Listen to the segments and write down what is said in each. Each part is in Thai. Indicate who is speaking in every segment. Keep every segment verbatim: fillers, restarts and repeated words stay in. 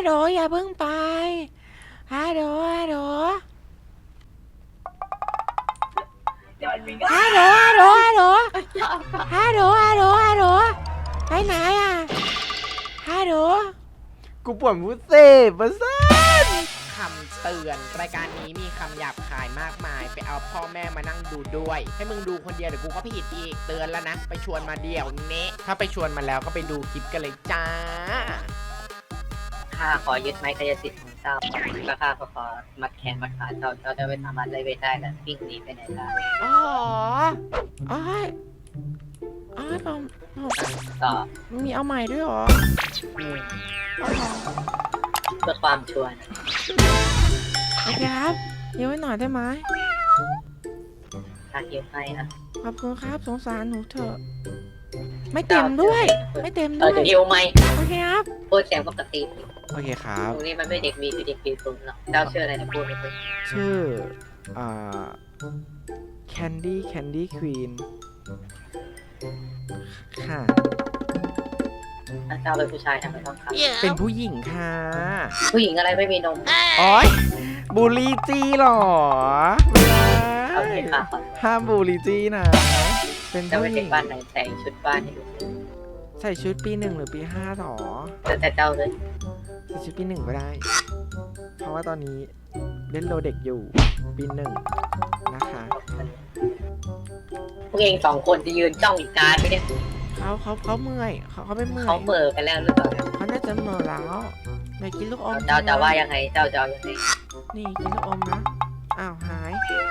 Speaker 1: โหลอย่าเพิ่งไปฮัลโหลฮัลโหลฮัลโหลฮัลโหลฮัลโหลฮัลโหลฮัลโหลฮัลโหลไปไหนอ่ะฮัลโหลกูปวดมุสเซ่ประสานคำเตือนรายการนี้มีคำหยาบคายมากมายไปเอาพ่อแม่มานั่งดูด้วยให้มึงดูคนเดียวเดี๋ยวกูก็ผิดอีกเตือนแล้วนะไปชวนมาเดี่ยวเนะถ้าไปชวนมาแล้วก็ไปดูคลิปกันเลยจ้า
Speaker 2: ข้าขอยึดไม้กายสิทธิ์ของเจ้าแล้วข้าก็ขอมัดแขนมัดขาเจ้าเจ้าจะไม่สามารถไล่เวทได้และวิ่งหนีไปไหนได้
Speaker 1: อ๋ออ๋ออ๋อผมผม
Speaker 2: ต่อ
Speaker 1: มีเอาใหม่ด้วยเหรอ
Speaker 2: อืม
Speaker 1: อ๋อ
Speaker 2: เพื่อความชัวร์นะ
Speaker 1: โอเคครับเดี๋ยวไว้หน่อยได้ไหม
Speaker 2: ข้าเก็บให้นะ
Speaker 1: ขอบคุณครับสงสารหนูเถอะไม่เต็มด้วยไม่เต็ม
Speaker 2: เอ
Speaker 1: ด้
Speaker 2: อ
Speaker 1: วย
Speaker 2: จะหิวไหม
Speaker 1: โอเคครับ
Speaker 2: พูดเสียงปกติ
Speaker 1: โอเคครับ
Speaker 2: ตรงนี้มันไม่เด็กมีคือเด็กปีศูนย์หรอกเจ้าชื่ออะไรนะพูดไม่พูด
Speaker 1: ชื่ออ่า Candy Candy Queen ค่ะ
Speaker 2: ถ้าเจ้าเป็นผู้ชายทำไมต้องขับ
Speaker 1: เป็นผู้หญิงค่ะ
Speaker 2: ผู้หญิงอะไรไม่มีนม
Speaker 1: โอ๊ยบูลลีจีหรอไม่ได้
Speaker 2: เอาเห็นค่ะขอ
Speaker 1: ห้ามบูลลีจีนะ เป็น
Speaker 2: เจ้า
Speaker 1: ผู้
Speaker 2: เป็น
Speaker 1: ห
Speaker 2: เด็
Speaker 1: ญิ
Speaker 2: ก
Speaker 1: ง
Speaker 2: บ้านไหนแต่งชุดบ้านให้ดู
Speaker 1: ใส่ชุดปีหนึ่งหรือปีห้าหรอ
Speaker 2: แต่แต่เจ้าเลย
Speaker 1: ใส่ชุดปีหนึ่งก็ได้ เพราะว่าตอนนี้เล่นโลเด็กอยู่ปีหนึ่งนะคะ
Speaker 2: พวกเองสองคนจะยืนจ้องอีกการไปเนี่ย
Speaker 1: เขาเขาเขาเมื่อยเขาเขาไม่เมื่อย
Speaker 2: เขาเบอร์กันแล้วหรือเปล่า
Speaker 1: เขาน่าจะเมื่อยแล้วอยากกินลูกอม
Speaker 2: เจ้าจะว่ายังไงเจ้าจะเอายังไง
Speaker 1: นี่กินลูกอมนะอ้าวหาย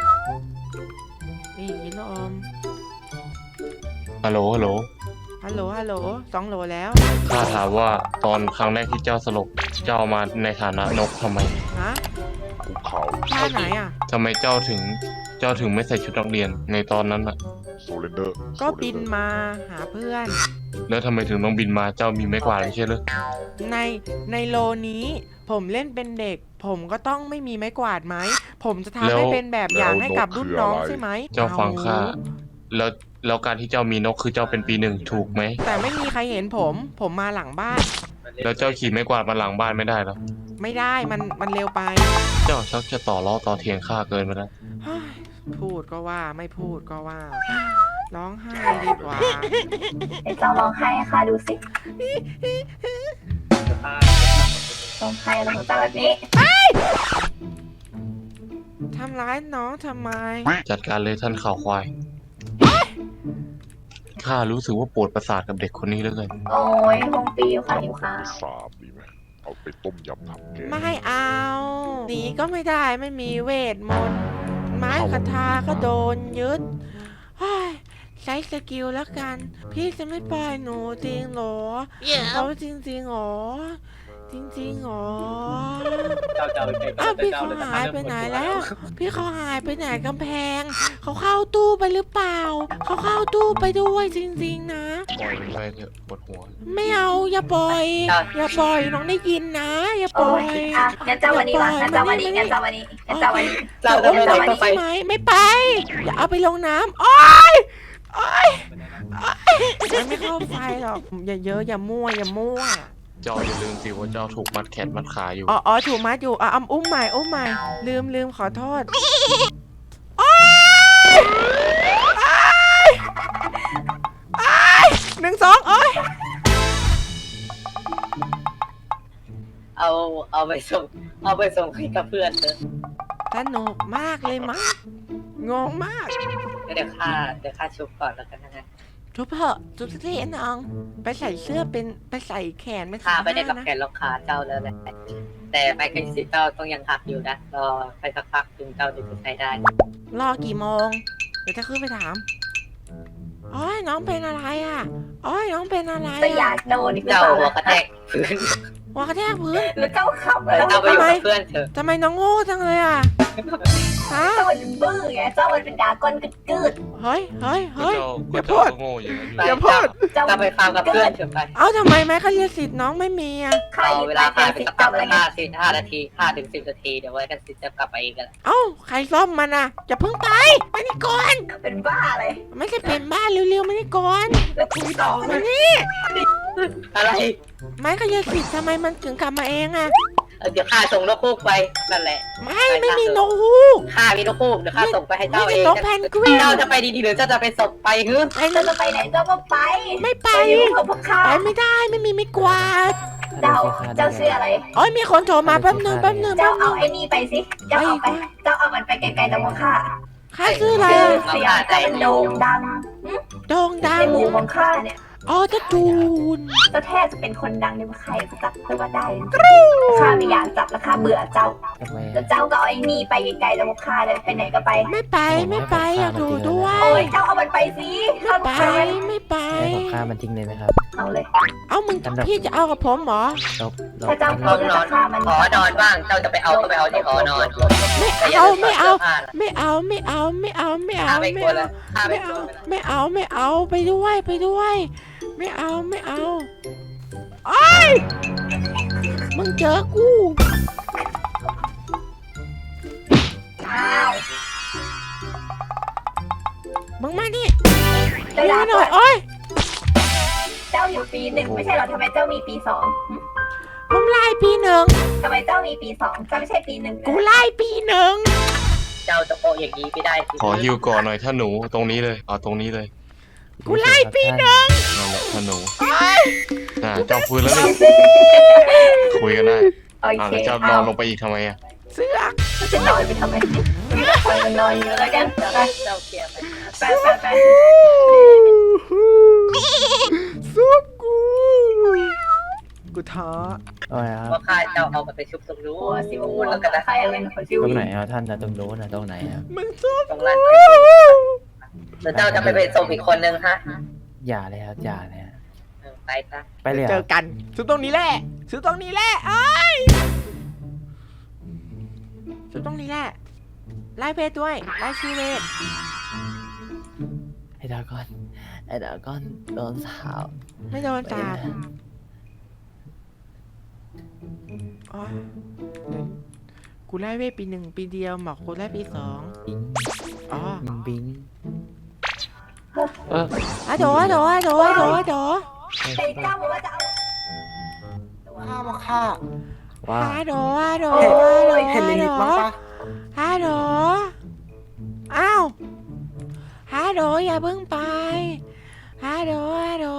Speaker 1: นี่กินลูกอม
Speaker 3: ฮัลโหล ฮัลโหล
Speaker 1: ฮัลโหลฮัลโหลสองโหลแล้ว
Speaker 3: ข้าถามว่าตอนครั้งแรกที่เจ้าสลบ เจ้ามาในฐานะนกทำไม
Speaker 1: ฮะ
Speaker 4: ภูเขา
Speaker 1: ท่าไหนอ่ะ
Speaker 3: ทำไมเจ้าถึง เจ้าถึงไม่ใส่ชุดนักเรียนในตอนนั้นอ่ะ
Speaker 4: โซเลนเดอร์
Speaker 1: ก็บินมาหาเพื่อน
Speaker 3: แล้วทำไมถึงต้องบินมา เจ้ามีไม้กวาดไม่ใช่หรือ
Speaker 1: ในในโลนี้ ผมเล่นเป็นเด็ก ผมก็ต้องไม่มีไม้กวาดไหม ผมจะทำให้เป็นแบบอย่างให้กับรุ่นน้องใช่ไหม
Speaker 3: เจ้าฟังข้า แล้ว แล้วการที่เจ้ามีนกคือเจ้าเป็นปีหนึ่งถูกไหม
Speaker 1: แต่ไม่มีใครเห็นผม ผมมาหลังบ้าน
Speaker 3: แล้วเจ้าขี่ไม้กวาดมาหลังบ้านไม่ได้หรอ
Speaker 1: ไม่ได้มันมันเร็วไป
Speaker 3: เจ้าชักจะต่อล้อต่อเถียงข้าเกินไปแล้ว
Speaker 1: เฮ้ยพูดก็ว่าไม่พูดก็ว่า ร้องไห้ดีกว่า
Speaker 5: ไอ้เจ้าร้องไห้ให้ข้าดูสิร้องไห้แล้วของเจ้าแบบนี้
Speaker 1: ทำร้ายน้องทำไม
Speaker 3: จัดการเลยท่านข่าวควาย ข้ารู้สึกว่าปวดประสาทกับเด็กคนนี้เหลือเกิน
Speaker 5: โอ้ยคงปีอยู่ค่ะหิวข้าว
Speaker 4: ไปสาบดีไหมเอาไปต้มยำทำแกง
Speaker 1: ไม่เอาหนีก็ไม่ได้ไม่มีเวทมนต์ไม้คาถาก็โดนยึดเฮ้ยใช้สกิลแล้วกัน พี่จะไม่ปล่อยหนูจริงเหรอเขาจริงจริงๆเหรอจริงจริงๆเหรอ
Speaker 2: เจ้าเจ้า
Speaker 1: อ้าวพี่เขาหายไปไหนแล้ว พี่เขาหายไปไหนกำแพง เขาเข้าตู้ไปหรือเปล่า เขาเข้าตู้ไปด้วยจริงๆนะ
Speaker 3: ปล่อยมันไปเถอะปวดหัว
Speaker 1: ไม่เอาอย่าปล่อย อย่าปล่อยน้องได้ยินนะ อย่าป
Speaker 5: โอ้
Speaker 1: ล่อย
Speaker 5: ยอ่ะงั้นเจ้าวันนี้วะงั้นเจ้าวันนี้งั้นเจ้าวันนี้งั้นเจ้าวันนี้
Speaker 2: เจ้าจะไม่
Speaker 1: จะ
Speaker 2: ได้
Speaker 1: ไป
Speaker 2: ต้องไป
Speaker 1: ใช่ไหมไม่ไป อย่าเอาไปลงน้ำโอ๊ยโอ๊ยโอ๊ยมันไม่เข้าไฟหรอก อย่าเยอะอย่ามั่วอย่ามั่ว
Speaker 3: เจ้าอย่าลืมสิว่าเจ้าถูกมัดแขนมัดขาอยู่
Speaker 1: อ๋ออ๋อถูกมัดอยู่อ่ะอำอุ้มใหม่อุ้มใหม่ ลืมลืมขอโทษโอ๊ยโอ๊ยโอ๊ยหนึ่งสองโอ๊ย
Speaker 2: เอาเอาไปส่งเอาไปส่งให้กับเพื่อนเถอะ
Speaker 1: สนุกมากเลยมั้งงงมาก
Speaker 2: เดี๋ยวข้าเดี๋ยวข้าชุบก่อนแล้วกันนะ
Speaker 1: ทุบเถอะทุบสักทีน้องไปใส่เสื้อเป็นไปใส่แขนไม่
Speaker 2: ข้า
Speaker 1: ใส่
Speaker 2: ไม่ได้กับ
Speaker 1: นะ
Speaker 2: แขนล็อกขาเจ้าแล้วแหละแต่ไปกันสิเจ้าต้องยังหักอยู่นะรอไปสักพักถึงเจ้าถึงจะใช้ได้
Speaker 1: รอกี่โมง เดี๋ยวจะขึ้นไปถามอ้อยน้องเป็นอะไรอ่ะอ้อยน้องเป็นอะไร
Speaker 5: จะอยา
Speaker 1: อ่ะ
Speaker 5: กโดนอีกหรือ
Speaker 2: เจ้า
Speaker 5: เปล่า
Speaker 2: หัวกระแทกพื้น
Speaker 1: หัวกระแทกพื้น
Speaker 5: แล้วเจ้าขับ
Speaker 2: เออ
Speaker 5: แล้ว
Speaker 2: เจ้าไปอยู่กับเพื่อนเถอะ
Speaker 1: ทำไมน้องโง่จังเลยอ่ะฮะ
Speaker 5: เจ้ามันบื้อไงเจ้ามันเป็นดราก้อนกึดกึด
Speaker 1: เฮ้ยเฮ้ยเฮ้ย
Speaker 3: ก็
Speaker 1: อย่าพู
Speaker 3: เจ้า
Speaker 1: ด
Speaker 3: ก็โง่อย่างนั้น
Speaker 2: ไป
Speaker 1: อย่าพูด
Speaker 5: เจ้า
Speaker 2: เจ้าไปฟาร์มกับเพื่อนเถอะไป
Speaker 1: เอ้าทำไมแม่เขาเรียกสิทธิ์น้องไม่มีอ่ะ
Speaker 5: ข้า
Speaker 2: เอา
Speaker 5: ยึด
Speaker 2: เว
Speaker 5: ไม้
Speaker 2: ลาผ่าน
Speaker 5: กาย
Speaker 2: ไป
Speaker 5: สิท
Speaker 2: สัก
Speaker 5: ธิ์
Speaker 2: พั
Speaker 5: เจ้าก อะไร
Speaker 2: ห้า
Speaker 5: เงี้ย
Speaker 2: สิบห้านาทีห้าถึงสิบนาทีเดี๋ยวไว้กันสิจะกลับไปอีกกัน
Speaker 1: เอ้าใครซ่อมมันอ่ะอย่าเพิ่งไปไปนี่ก่อน
Speaker 5: เป็นบ้าเลย
Speaker 1: ไม่ใช่เป็นบ้านเร็วๆไม่นี่ก่อน
Speaker 5: แล้วคุยต่อเล
Speaker 1: มาย นี่
Speaker 2: อะไร
Speaker 1: ไม้กายสิทธิ์ทำไมมันถึงกลับมาเองอะ
Speaker 2: เออเดี๋ยวข้าส่งนกฮูกไปนั่นแหละ
Speaker 1: ไม่ไม่มีนกฮูก
Speaker 2: ข้ามีนกฮูกเดี๋ยวข้าส่งไปให้
Speaker 1: ไม่
Speaker 2: เจ้า
Speaker 1: มี
Speaker 2: เอง
Speaker 1: นกแพนกวิน
Speaker 2: เจ้าจะไปดีๆหรือเจ้าจะไปส่งไปฮึ
Speaker 1: ไป
Speaker 5: เจ้าจะไปไหนเจ้าก็ไป
Speaker 1: ไม่ไป
Speaker 5: ไปอยู่กับพวกข้า
Speaker 1: ไปไม่ได้ไม่มีไม่กวาด
Speaker 5: เจ้าเจ้าชื่ออะไร
Speaker 1: โอ้ยมีคนโทรมาแป๊บนึงแป๊บนึง
Speaker 5: เจ้า
Speaker 1: แป๊บนึ
Speaker 5: เอา
Speaker 1: ง
Speaker 5: ไอ้นี่ไปสิเจ้าเอาไปเจ้าเอามันไปไกลๆจากพวกข้า
Speaker 1: ข้าชื่ออะไร
Speaker 5: ชื่อ
Speaker 1: อะ
Speaker 5: เสียงเจ้ามันโด่งดัง
Speaker 1: โด่งดั
Speaker 5: ใน
Speaker 1: ง
Speaker 5: หมู่ของข้าเนี่ย
Speaker 1: อ๋อตะจูน
Speaker 5: เจ้าแทบจะเป็นคนดังในเมืองไทยจับตัวได้ข้าไม่อยากจับแล้วข้าเบื่อเจ้า
Speaker 6: ทำไม
Speaker 5: แล้วเจ้าก็เอาไอ้นี่ไปไกลๆจากพวกข้าเลยไปไหนก็ไป
Speaker 1: ไม่ไปไม่ไปอยากดูด้วย
Speaker 5: โอ้ยเจ้าเอามันไปสิข้า
Speaker 1: ไป
Speaker 5: ไป
Speaker 1: ไม่ไป
Speaker 6: ให้ผมฆ่ามันทิ้งเลยไหมครับ
Speaker 5: เอาเลย
Speaker 1: เอามึงพี่จะเอากับผมเหรอ
Speaker 6: ลบลบ
Speaker 5: ถ้าเจ้า
Speaker 2: ห้องนอนหอนอนบ้างเจ้าจะไปเอาก็ไปเอาที่หอนอน
Speaker 1: ไม่เอาไม่เอาไม่เอาไม่เอาไม่เอาไม่เอา
Speaker 2: ข้าไม่
Speaker 1: ไม่
Speaker 2: กลัว
Speaker 1: เอา
Speaker 2: แล้วข้าไม่
Speaker 1: ไม่
Speaker 2: กลั
Speaker 1: เอา
Speaker 2: ว
Speaker 1: ไม่เอาไม่เอาไปด้วยไปด้วย ไม่เอาไม่เอาไอ้ยมึงเจอกู
Speaker 5: อ้าว
Speaker 1: มึงมาดิ
Speaker 5: เจ้า
Speaker 1: มา
Speaker 5: ด่า
Speaker 1: ห
Speaker 5: ก่
Speaker 1: น่
Speaker 5: อ
Speaker 1: อย
Speaker 5: น
Speaker 1: โอ้ย
Speaker 5: เจ้าอยู่ปีหนึ่งไม่ใช่เหรอทำไมเจ้ามีปีสอง
Speaker 1: ผมไล่ปีหนึ่ง
Speaker 5: ทำไมเจ้ามีปีสองเจ้าไม่ใช่ปีหนึ่ง
Speaker 1: กูไล่ปีหนึ่ง
Speaker 2: เจ้าจะโปะอย่างนี้ไม่ได้สิ
Speaker 3: ขอฮิวก่อนหน่อยถ้าหนูตรงนี้เลยเอาตรงนี้เลย
Speaker 1: กูไล่ปีหนึ่ง
Speaker 3: นั่นแหละถ้าหนูอ่าเจ้าฟื้นแล้วนี่คุยกันได้
Speaker 5: โอ
Speaker 3: อ่า
Speaker 5: เค
Speaker 3: แล้วเจ้านอนลงไปอีกทำไมอ่ะ
Speaker 1: เสือก
Speaker 5: จะนอนไปทำไมคอยนอนอยู่แล้วกันไป
Speaker 2: เจ้าเกลียดไหม
Speaker 5: ไปไปไป
Speaker 1: ซุปกูกูท้อ
Speaker 6: เอาไงครับ
Speaker 2: เพราะข้าเจ้าเอามันไปชุบตรงนู้
Speaker 5: โอ้
Speaker 2: น
Speaker 5: สิ
Speaker 2: ที่
Speaker 5: โอ้
Speaker 2: นู้นแล้วกันนะ
Speaker 5: ใครอะไรนะคนชื่อ
Speaker 6: ตรง
Speaker 5: วิ
Speaker 6: ไหน
Speaker 5: น
Speaker 6: อ่ะท่านนะตรงโน้นนะตรงไหนอ่ะ
Speaker 1: มึงซุป
Speaker 2: ตรงนั้นหรือเจ้าจะไปเป็นส่งอีกคนนึงฮะ
Speaker 6: อย่าเลยครับอย่าเลยฮะ
Speaker 2: เออไปซะ
Speaker 6: ไปเลย
Speaker 1: เจ
Speaker 6: อ่ะ
Speaker 1: อกันซื้อตรงนี้แหละซื้อตรงนี้แหละไอ้ยซื้อตรงนี้แหละไล่เพจด้วยไล่ชีเวท
Speaker 6: ไอ้ดากอนไอ้ดากอนโดนสาว
Speaker 1: ไม่โดนจับอ๋อกูไล่เวทปีหนึ่งปีเดียวหมอกกูไล่ปีสอง
Speaker 6: บิง
Speaker 1: อ๋อ
Speaker 6: บิง
Speaker 3: เออ
Speaker 1: อะโดอะโดอะโดอะโดอะโด
Speaker 5: ไอ้เจ้าบอกว่าจะเอา
Speaker 7: ข้ามาฆ่า
Speaker 6: ว่า
Speaker 1: อะโดอะโด
Speaker 5: โอ้
Speaker 1: อะโด
Speaker 5: ย
Speaker 7: เห็นลิลิตบ้างปะ
Speaker 1: ฮัลโหลอ้าวฮัลโหลอย่าเพิ่งไปฮัลโหลฮัลโหล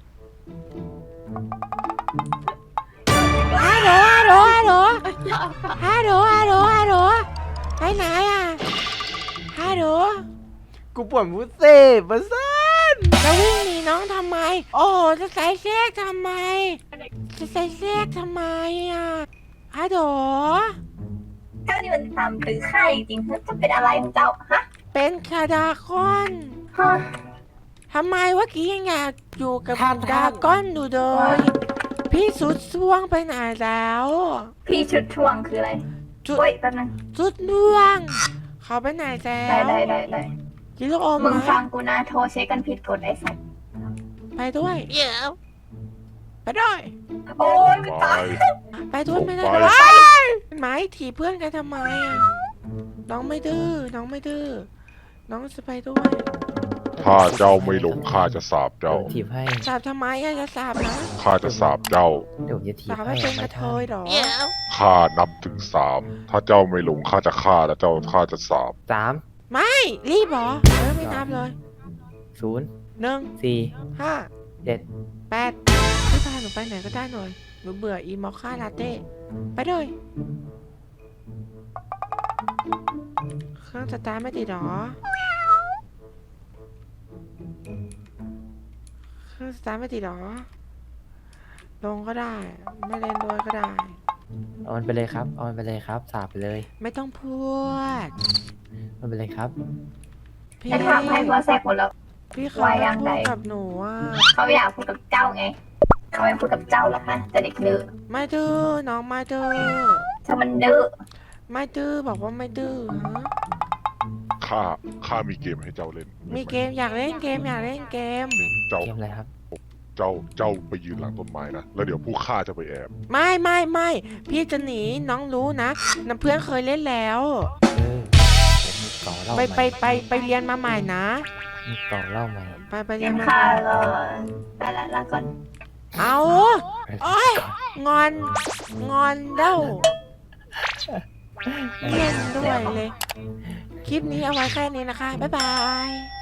Speaker 1: ฮัลโหลฮัลโหลฮัลโหลฮัลโหลฮัลโหลฮัลโหลไปไหนอ่ะฮัลโหลกูปวดมุเซ่ประสันจะวิ่งหนีน้องทำไม โอ้จะใส่เสื้อทำไมจะใส่เสื้อทำไมอ่ะฮัลโหล
Speaker 5: เจ้านี่มันทำหรือใครจริงๆจะเป็นอะไรของเจ้าฮะ
Speaker 1: เป็นคาดาคอน
Speaker 5: ฮะ
Speaker 1: ทำไมเมื่อกี้ยังอยากอยู่กับ
Speaker 7: ท่าน
Speaker 1: ดาก้อนอยู่เลย พี่สุดช่วงไปไหนแล้ว
Speaker 5: พี่ชุดช่วงคืออะไร
Speaker 1: จุด
Speaker 5: โอ้ยแป๊บนึง
Speaker 1: สุดน่วง เขาไปไหนแล้
Speaker 5: ได้
Speaker 1: ว
Speaker 5: ได้ได้ได้
Speaker 1: กินลูกอม
Speaker 5: มึง
Speaker 1: ไหม
Speaker 5: ฟังกูนะโทรเช็คกันผิดกฎไอ้สัตว์
Speaker 1: ไปด้วยเดี๋ยวไปด้วย
Speaker 5: โอ้ยไม่
Speaker 4: ไป
Speaker 5: ตาย
Speaker 1: ไปด้วยไม่ได้
Speaker 4: ไป
Speaker 1: ด้วยไหมถีบเพื่อนกันทำไมอ่ะน้องไม่ดื้อน้องไม่ดื้อน้องจะไปด้วย
Speaker 4: ถ้าเจ้าไม่ลงข้าจะสาบ
Speaker 6: เดี๋ย
Speaker 4: เจ้า
Speaker 6: วถีบให้
Speaker 1: สาบทำไมอ่ะจะสาบนะ
Speaker 4: ข้าจะสาบเจ้า
Speaker 6: เดี๋ยวผมจะถีบ
Speaker 1: สาบ
Speaker 6: ให้
Speaker 1: ให้เป็นก
Speaker 6: ไม่
Speaker 1: ระเท
Speaker 6: ท่าย
Speaker 1: เหรอ
Speaker 4: ข้านับถึงสาม ถ้าเจ้าไม่ลงข้าจะฆ่าแล้วเจ้าข้าจะสาบ
Speaker 6: สาม
Speaker 1: ไม่รีบเหรอเออไม่นับเลย
Speaker 6: ศูนย์
Speaker 1: หนึ่ง
Speaker 6: สี่
Speaker 1: ห้า
Speaker 6: เจ็ด
Speaker 1: แปดพี่พาหนูไปไหนก็ได้หน่อย หนูเบื่ออีมอคค่าลาเต้ ไปเลยเครื่องสตาร์ทไม่ติดหรอ เครื่องสตาร์ทไม่ติดหรอ ลงก็ได้ ไม่เล่นด้วยก็ได้
Speaker 6: เอามันไปเลยครับเอามันไปเลยครับสาบไปเลย
Speaker 1: ไม่ต้องพูด
Speaker 6: มันไปเลยครับ
Speaker 1: พี่
Speaker 5: ไอ้ทำให้หัวแสกหมดแล้ว
Speaker 1: พี่เขา
Speaker 5: ไว้
Speaker 1: ไม่
Speaker 5: ยัง
Speaker 1: พู
Speaker 5: ไง
Speaker 1: ดกับหนูอ่ะ
Speaker 5: เขาอยากพูดกับเจ้าไง เขาไม่พูดกับเจ้าหรอกนะแต่เด็กดื้อ
Speaker 1: ไม่ดื้อน้องไม่ดื้อ
Speaker 5: ถ้ามันดื้อ
Speaker 1: ไม่ดื้อบอกว่าไม่ดื้อฮะ
Speaker 4: ข้า ข้ามีเกมให้เจ้าเล่น
Speaker 1: มีเกมอยากเล่นเกมอยากเล่นเกม
Speaker 4: นี่เจ้า
Speaker 6: เกมอะไรครับ
Speaker 4: เจ้า เจ้าไปยืนหลังต้นไม้นะ แล้วเดี๋ยวผู้ฆ่าจะไปแอบ
Speaker 1: ไม่ไม่ไม่พี่จะหนีน้องรู้นะน้ำเพื่อนเคยเล่นแล้ว
Speaker 6: เออเดี๋ยวมีต่อเล่า
Speaker 1: ไป
Speaker 6: ให
Speaker 1: ไป
Speaker 6: ม่
Speaker 1: ไปไปเรียนมาใหม่นะ
Speaker 6: มีต่อเล่าใหม่
Speaker 1: ไปไปเรี
Speaker 5: เลี้
Speaker 1: ย
Speaker 5: ย
Speaker 1: น
Speaker 5: ง
Speaker 1: มา
Speaker 5: ข้า
Speaker 1: ใหม่
Speaker 5: ก็ไปละละก่อน
Speaker 1: เอาโอ้ยงอน งอนเด้าเล่นด้วยเลย คลิปนี้เอาไว้แค่นี้นะคะ บ๊ายบาย